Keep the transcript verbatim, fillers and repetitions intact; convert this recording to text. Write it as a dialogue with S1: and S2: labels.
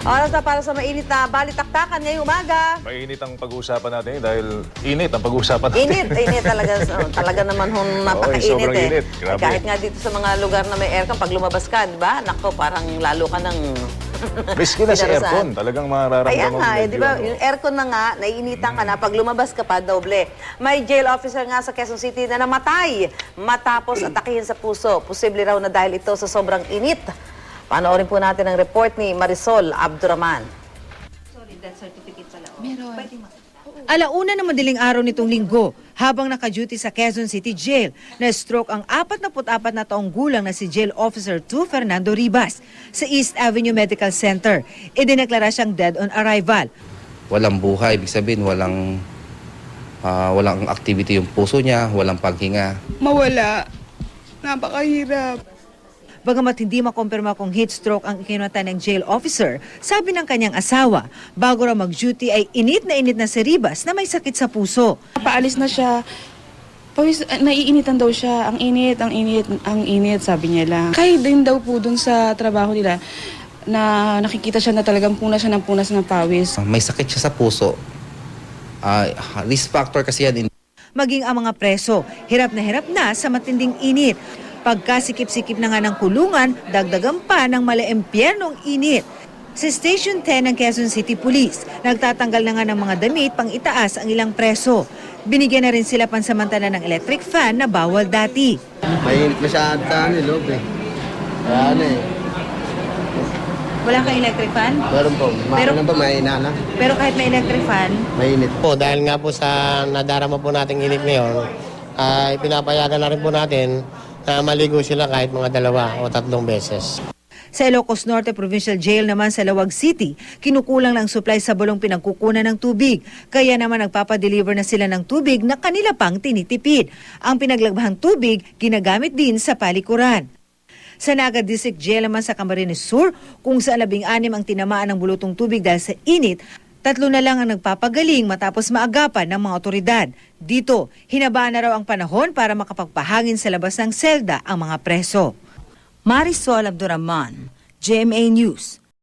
S1: Oras na para sa mainit na balitaktakan ngayong umaga.
S2: Mainit ang pag-uusapan natin dahil init ang pag-uusapan natin.
S1: Init, init talaga. Oh, talaga naman hon napakainit
S2: sobrang
S1: eh.
S2: init. Grabe.
S1: Kahit nga dito sa mga lugar na may aircon, pag lumabas ka, di ba? Nako, parang lalo ka ng...
S2: Miski na sa aircon, talagang mararamdaman
S1: Ayan
S2: mo.
S1: nga, eh, di ba?
S2: Ano.
S1: Yung aircon na nga, naiinitan ka na. Pag lumabas ka pa, doble. May jail officer nga sa Quezon City na namatay matapos atakihin sa puso. Posible raw na dahil ito sa sobrang init. Panoorin po natin ang report ni Marisol Abduraman.
S3: Sorry, death certificate pala.
S4: Meron. Alauna ng madaling araw nitong linggo, habang naka-duty sa Quezon City Jail, na-stroke ang forty-four na taong gulang na si Jail Officer two Fernando Ribas sa East Avenue Medical Center. Idineklara siyang dead on arrival.
S5: Walang buhay, ibig sabihin walang, uh, walang activity yung puso niya, walang paghinga.
S6: Mawala. Napakahirap.
S4: Bagamat hindi makumpirma kung heat stroke ang ikinata ng jail officer, sabi ng kanyang asawa, bago raw mag-duty ay init na init na si Ribas na may sakit sa puso.
S6: Paalis na siya. Pawis, naiinitan daw siya. Ang init, ang init, ang init, sabi niya lang. Kahit din daw po dun sa trabaho nila na nakikita siya na talagang punas siya ng punas ng pawis.
S5: May sakit siya sa puso. Uh, risk factor kasi yan.
S4: Maging ang mga preso, hirap na hirap na sa matinding init. Pagkasikip-sikip na nga ng kulungan, dagdagan pa ng mala-empyernong init. Sa Station ten ng Quezon City Police, nagtatanggal na nga ng mga damit pang itaas ang ilang preso. Binigyan na rin sila pansamantala ng electric fan na bawal dati.
S7: Mainit masyado sa ano, loob eh. Kaya ano eh.
S4: Wala kang electric fan?
S7: Meron po.
S4: Pero,
S7: Meron po, may inana.
S4: Pero kahit may electric fan,
S7: Mainit.
S8: Po, dahil nga po sa nadarama po nating init ngayon, ay pinapayagan na rin po natin na maligo sila kahit mga dalawa o tatlong beses.
S4: sa Ilocos Norte Provincial Jail naman sa Lawag City, kinukulang ng supply sa bulong pinagkukunan ng tubig. Kaya naman nagpapadeliver na sila ng tubig na kanila pang tinitipid. Ang pinaglagbahang tubig ginagamit din sa palikuran. Sa Naga District Jail naman sa Camarines Sur, kung sa labing anim ang tinamaan ng bulutong tubig dahil sa init, tatlo na lang ang nagpapagaling matapos maagapan ng mga otoridad. Dito, hinabaan na raw ang panahon para makapagpahangin sa labas ng selda ang mga preso. Marisol Abduraman, G M A News.